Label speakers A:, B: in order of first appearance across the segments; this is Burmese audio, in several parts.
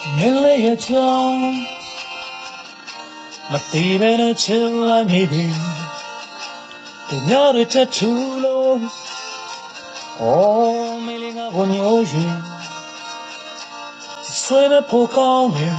A: 年里的江，那地边的青蓝一片，对鸟的这出路，哦，美丽的蜗牛云，随着蒲公英，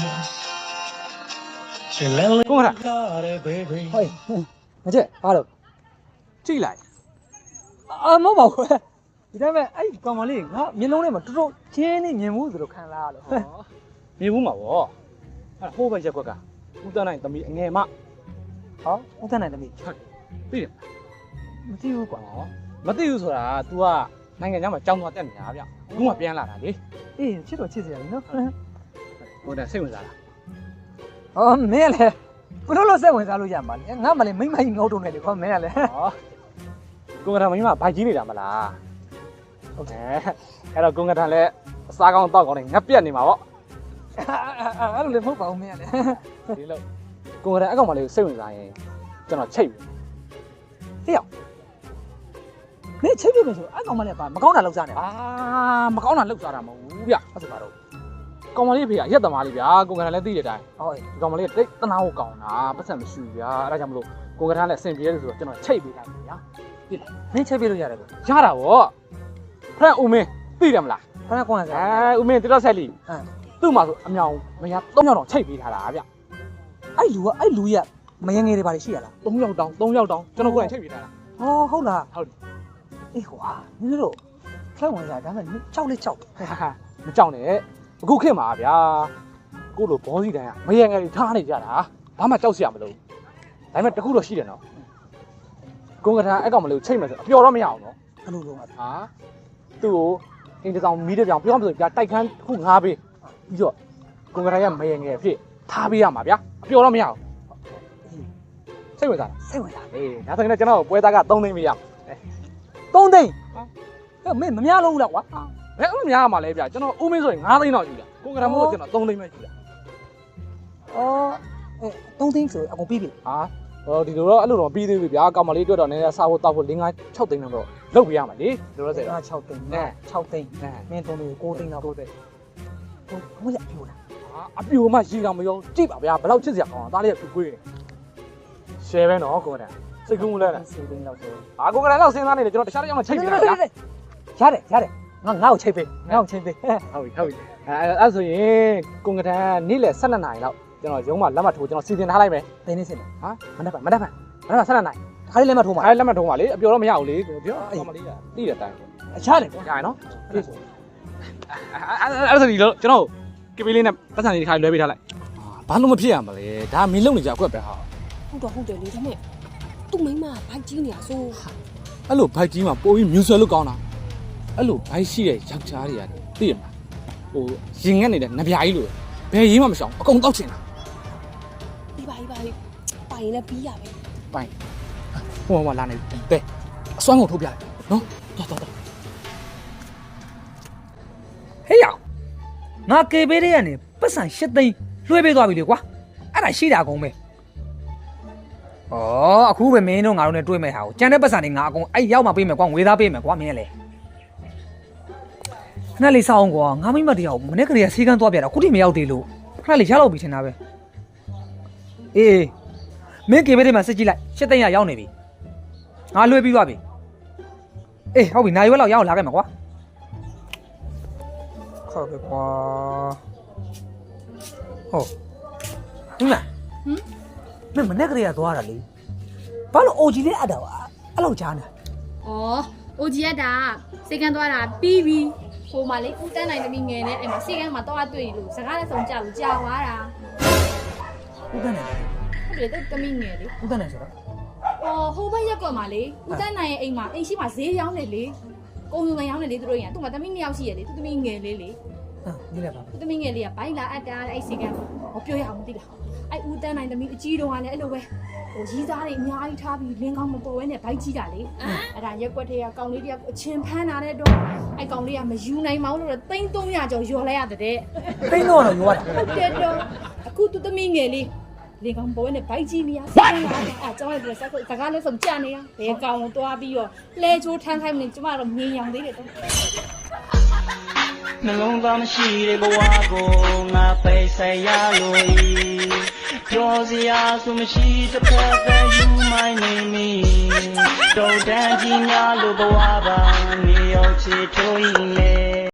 A: 是蓝里的 baby。
B: 嘿，မကျက်အားလို့
C: ကြည့်လိုက်
B: မဟုတ်ပါဘူးဒီတိုင်းပဲအဲ့ကောင်မလေးငါမျက်လုံးထဲမှာတော်တော်ချင်းနေမြင်မှုဆိုတော့ခံလာရလို့
C: မြင်ဘူးမှာဗောအဲ့ဟိုးပဲရက်ကွက်ကဦးတန်းနိုင်သမီးအငယ်မ
B: ဟောဥဒ္ဒနိုင်သမီး
C: သိတယ်
B: မသိဘူးကွာ
C: ဟောမသိဘူးဆိုတာ तू ကနိုင်ငံခြားမှာကြောင်းသွားတက်နေတာဗျအခုမှပြန်လာတာလေ
B: အေးချစ်တော့ချစ်စရာကြီးနော်
C: ဟိုတည်းစိတ်ဝင်စားလား
B: ဟောမင်းကလည်းဘလို့လို့စိတ်ဝင်စားလို့ရမှာလဲငါမှလည်းမိမကြီးငုတ်တုံနေတယ်ခေါမင်းကလည်း
C: ဟောကိုကထာမင်းမဘိုက်ကြီးနေတာမလားဟုတ်တယ်အဲ့တော့ကိုကထာလည်းအစားကောင်းတောက်ကောင်းနေငက်ပြက်နေမှာဗော
B: အဲ့လိုလည်းမဟုတ်ပါဘူးမင်းကလည်း
C: ဒီလိုကိုကထာအကောင်မလေးကိုစိတ်ဝင်စားရင်ကျွန်တော်ချိတ်ပြီ
B: ဟေ့ရောက်မင်းချိတ်ပြမယ်ဆိုအဲ့ကောင်မလေးကမကောင်းတာလောက်စားနေ
C: အာမကောင်းတာလောက်စားတာမဟုတ်ဘူးဗျအဲ့ဒါပါတော့ကောင်မလေးဖေကရက်သမားလေးဗျာကိုကထာလည်းသိတဲ့အတိုင်း
B: ဟုတ်
C: ဒီကောင်မလေးတိတ်တနာကိုကောင်းတာပတ်စံမရှိဘူးဗျာအဲ့ဒါကြောင့်မလို့ကိုကထာလည်းအဆင်ပြေတယ်ဆိုတော့ကျွန်တော်ချိတ်ပေးလိုက်ပြီဗျာ
B: မင်းချိတ်ပြလို့ရတယ်ကွာ
C: ရတာဗောဖရန့်ဦးမင်းသိတယ်မလား
B: ခဏကွာစား
C: ဦးမင်းတိတော့ဆက်လီ
B: ဟမ်
C: သူ့မှာဆိုအမြောင်မရ3ယောက်တောင်ချိတ်ပေးထားတာဗျ
B: အဲ့လူကမယငယ်တွေပါရှိရလား
C: 3ယောက်တောင်ကျွန်တော်ကိုယ်တိုင်ချိတ်ပေးထားတာ
B: ဟောဟုတ်လား
C: ဟုတ်တယ်
B: အေးကွာမင်းတို့ဖက်ဝင်စားဒါမှကြောက်လေးကြောက်
C: မကြောက်နဲ့အခုခေတ်မှာဗျာကိုလိုဘောစီတိုင်းကမရငယ်တွေထားနေကြတာဘာမှကြောက်စရာမလိုဒါပေမဲ့တခုတော့ရှိတယ်နော်ကိုကထာအဲ့ကောင်မလို့ချိတ်မယ်ဆိုအပျော်တော့မရအောင်နော်
B: အဲ့လိုတော့
C: ဟာသူ့ကိုအင်းတကောင်မီးတကောင်ပြောမှဆိုပြတိုက်ခန်းတစ်ခုငားပေးပြီးတော့ကွန်ကရရဲ့မယငယ်ဖြစ်ထားပေးရမှာဗျာအပျော်တော့မရအောင်စိတ်ဝင်စားလား
B: စိတ်ဝင်စား
C: အေးဒါဆိုရင်ကျွန်တော်ပွဲသားက3သိန်းပေးရမယ်
B: 3သိန်းဟဲ့မင်းမများလို့လားကွာ
C: ဘယ်အမှများမှာလဲဗျာကျွန်တော်ဦးမင်းဆိုရင်9သိန်းတော့ယူတာကွန်ကရမို့ကျွန်တော်3သိန်းပဲယူတာ
B: အော်3သိန်းဆိုအကုန်ပြီးပြီ
C: ဟာဟောဒီလိုတော့အဲ့လိုတော့ပြီးသေးပြီဗျာကောင်မလေးတွေ့တော့နည်းနည်းစားဖို့တောက်ဖို့5 6သိန်းတော့လောက်ပြရမှာလေဒီလိုဆိုတော့
B: 6သိန်း6သိန်းမင်း3သိန်း9သိန်းတော့
C: 9သိန်း
B: ဟိုရပြိုလား
C: ဟာအပြိုမှရီတောင်မရောကြည့်ပါဗျာဘယ်လောက်ချစ်စရာကောင်းတာဒါလေးကပြွေးတယ်ရှယ်ပဲနော်ကွန်ကရစိတ်ကူးမလဲနဲ့
B: 10သိန်းလောက်ဆို
C: ဟာကွန်ကရလောက်စဉ်းစားနေတယ်ကျွန်တော်တခြားတစ်ယောက်နဲ့ချိတ်ပြတာဗျာ
B: ရတယ်ငါ့ကိုချိတ်ပေး
C: ဟုတ်ပြီအဲ့ဆိုရင်ကွန်ကရနေ့လယ်12နာရီလောက်ကျွန်တော်ရုံးမှာလက်မှတ်ထိုးကျွန်တော်စီစဉ်ထားလိုက်မယ်
B: သိနေစင်တယ်
C: ဟာမနေ့က12နာရီ
B: ခါလေးလက်မထိုးမှာ
C: အဲ့လက်မှတ်ထိုးပါလေအပျော်တော့မရဘူးလေပြောကောင်မလေးကတိတဲ့အတိုင်း
B: ရတယ်
C: ကြာရနော်အဲ့ဆိုဒီလိုကျွန်တော်ကပေးလေးနဲ့ပတ်စံလေးတစ်ခါလွှဲပေးထားလိုက်ဘာလို့မဖြစ်ရမလဲဒါမင်းလုံနေကြအကွက်ပဲဟာ
D: ဟုတ်တယ်လေဒါနဲ့သူ့မိန်းမဘိုက်ကြီးနေရဆို
C: အဲ့လိုဘိုက်ကြီးမှာပိုပြီးမြူဆွဲလို့ကောင်းတာအဲ့လိုဘိုက်ရှိတဲ့ယောက်ျားတွေကသိရမလားဟိုရင်ငက်နေတဲ့နဗျာကြီးလိုဘယ်ရေးမှမရှောင်အကုန်တောက်ချင်တာ
D: ပြီးပါပိုင်ရင်လည်းပြီးရပဲ
C: ပိုင်ဟိုမှာလာနေတဲ့အစွမ်းကုန်ထုတ်ပြလိုက်နော်တော်
B: ဟေးရငါကေပေးတဲ့ကနေပတ်စံ8သိန်းလွှဲပေးသွားပြီလေကွာအဲ့ဒါရှိတာအကုန်ပဲဩအခုပဲမင်းတို့ငါတို့နဲ့တွေ့မဲ့ဟာကိုကြံတဲ့ပတ်စံတွေငါအကုန်အဲ့ရောက်မှပေးမယ်ကွာငွေသားပေးမယ်ကွာမင်းလေခဏလေးစောင်းကွာငါမိမတရားကိုမနေ့ကလေးကဆေးကန်းသွားပြတာခုထိမရောက်သေးလို့ခဏလေးရတော့ပြီထင်တာပဲအေးမင်းကေပေးတဲ့မှာစစ်ကြည့်လိုက်8သိန်းရရောက်နေပြီငါလွှဲပြီးသွားပြီအေးဟုတ်ပြီနိုင်ရွက်လောက်ရအောင်လာခဲ့မှာကွာဟုတ်ပြီကွာဟုတ်ဟင်မင်းမနေ့ကလေးကသွားတာလေဘာလို့အိုဂျီလေးအပ်တာပါအဲ့လောက်ကြားနေ
E: ။အော်အိုဂျီရတာစေကန်သွားတာပြီးပြီ။ဟိုမှာလေဦးတန်းနိုင်သမီးငယ်နဲ့အဲ့မှာစေကန်မှာတော့တွေ့လို့စကားလည်းဆုံးကြဘူးကြာသွားတာ
B: ဦးတန်းနေ
E: ။ဟုတ်တယ်သမီးငယ်လေ
B: ဦးတန်းနေဆိုတော့
E: ။အော်ဟိုဘက်ရက်ကွက်မှာလေဦးတန်းနိုင်ရဲ့အိမ်မှာအိမ်ရှိမှာဈေးရောင်းတယ်လေ။ကုန်စုံရောင်းတယ်လေသူတို့ရန်သူ့မှာသမီး2ယောက်ရှိရလေသူသမီးငယ်လေးလေ
B: ဟာဒီလည်းပါ
E: သူသမီးငယ်လေးကဘိုင်းလာအပ်တာအဲ့စေကန်ဟောပြောရအောင်မသိလား။အဲ့ဦးတန်းနိုင်သမီးအကြီးတော်ကလည်းအဲ့လိုပဲဟိုရီးသားတွေအများကြီးထားပြီးလင်းကောင်းမပေါ်ဝဲနဲ့ဘိုက်ကြီးတာလေအဲ့ဒါရက်ကွက်တွေကကောင်လေးတယောက်အချင်းဖမ်းလာတဲ့တော့အဲ့ကောင်လေးကမယူနိုင်မောင်းလို့300ကျော်ယော်လိုက်ရတဲ့
B: သိန်းတော့ရောတာ
E: ဟုတ်တယ်တော့အခုသူသမီးငယ်လေးလင်ကောင်ပေါ်နဲ့ဘိုက်ကြီးနေရစိတ်လာတယ်အဲကျွန်တော်လည်းစကားလည်းဆုံးကြနေရဘယ်ကောင်ကိုတွားပြီးတော့လဲချိုးထမ်းခိုင်းမနေကျမတော့မြင်ရောင်သေးတယ်တော့
F: နှလုံးသားမရှိတဲ့ဘဝကိုငါပိတ်ဆက်ရလို့ပြောစရာဆိုမရှိတစ်ဖက်သက် you my name me တော့တန်ကြီးများလို့ဘဝပါနေရောက်ချစ်ထိုးရင်လေ